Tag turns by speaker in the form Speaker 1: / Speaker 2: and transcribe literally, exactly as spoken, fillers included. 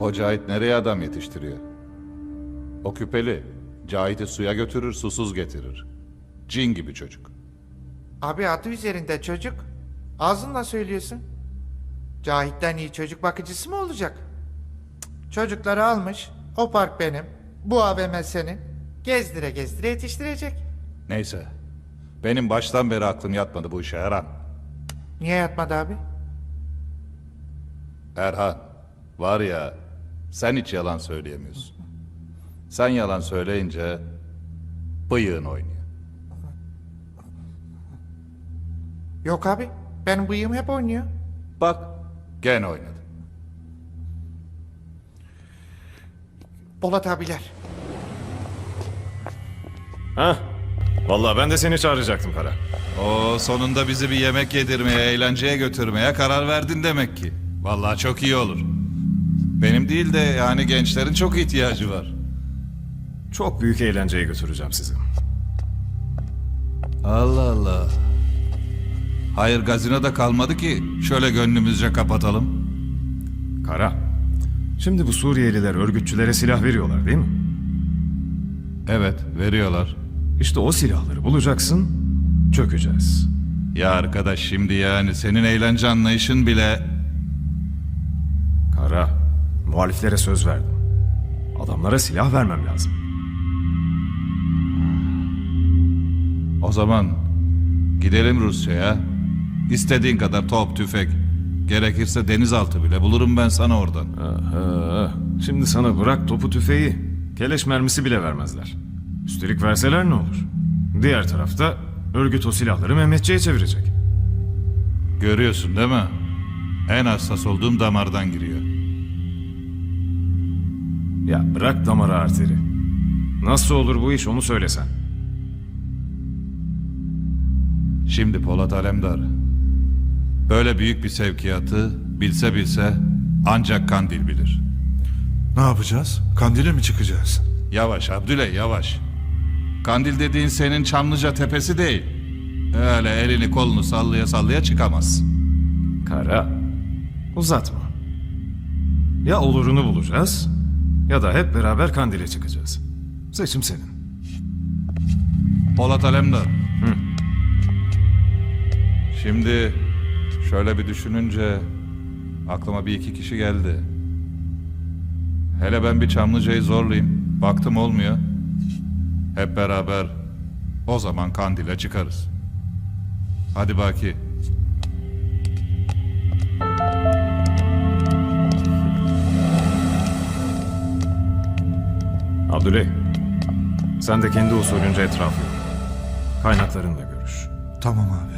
Speaker 1: O Cahit nereye adam yetiştiriyor? O küpeli. Cahit'i suya götürür, susuz getirir. Cin gibi çocuk.
Speaker 2: Abi adı üzerinde çocuk. Ağzınla söylüyorsun. Cahit'ten iyi çocuk bakıcısı mı olacak? Cık, Çocukları almış. O park benim. Bu A V M senin. Gezdire gezdire yetiştirecek.
Speaker 1: Neyse. Benim baştan beri aklım yatmadı bu işe Erhan.
Speaker 2: Niye yatmadı abi?
Speaker 1: Erhan, var ya, sen hiç yalan söyleyemiyorsun. Sen yalan söyleyince bıyığın oynuyor.
Speaker 2: Yok abi. Benim bıyığım hep oynuyor.
Speaker 1: Bak, gene oynadı.
Speaker 2: Polat abiler.
Speaker 3: Ha? Vallahi ben de seni çağıracaktım Kara.
Speaker 1: O sonunda bizi bir yemek yedirmeye, eğlenceye götürmeye karar verdin demek ki. Vallahi çok iyi olur. Benim değil de yani gençlerin çok ihtiyacı var.
Speaker 3: Çok büyük eğlenceye götüreceğim sizi.
Speaker 1: Allah Allah. Hayır gazinoda kalmadı ki şöyle gönlümüzce kapatalım.
Speaker 3: Kara, şimdi bu Suriyeliler örgütçülere silah veriyorlar değil mi?
Speaker 1: Evet veriyorlar.
Speaker 3: İşte o silahları bulacaksın, çökeceğiz.
Speaker 1: Ya arkadaş şimdi yani senin eğlence anlayışın bile...
Speaker 3: Kara, muhaliflere söz verdim. Adamlara silah vermem lazım.
Speaker 1: O zaman gidelim Rusya'ya. İstediğin kadar top, tüfek. Gerekirse denizaltı bile bulurum ben sana oradan.
Speaker 3: Aha, şimdi sana bırak topu tüfeği, keleş mermisi bile vermezler. Üstelik verseler ne olur? Diğer tarafta örgüt o silahları Mehmetçiğe çevirecek.
Speaker 1: Görüyorsun değil mi? En hassas olduğum damardan giriyor.
Speaker 3: Ya bırak damarı arteri. Nasıl olur bu iş onu söylesen.
Speaker 1: Şimdi Polat Alemdar. Böyle büyük bir sevkiyatı bilse bilse ancak Kandil bilir.
Speaker 4: Ne yapacağız? Kandil'e mi çıkacağız?
Speaker 1: Yavaş Abdüley yavaş. Kandil dediğin senin Çamlıca tepesi değil. Öyle elini kolunu sallaya sallaya çıkamaz.
Speaker 3: Kara, uzatma. Ya olurunu bulacağız ya da hep beraber Kandil'e çıkacağız. Seçim senin.
Speaker 1: Polat Alemdar. Şimdi şöyle bir düşününce aklıma bir iki kişi geldi. Hele ben bir Çamlıca'yı zorlayayım. Baktım olmuyor. Hep beraber o zaman Kandil'e çıkarız. Hadi Baki.
Speaker 3: Abdüley, sen de kendi usulünce etrafı yok. Kaynaklarınla görüş.
Speaker 4: Tamam abi.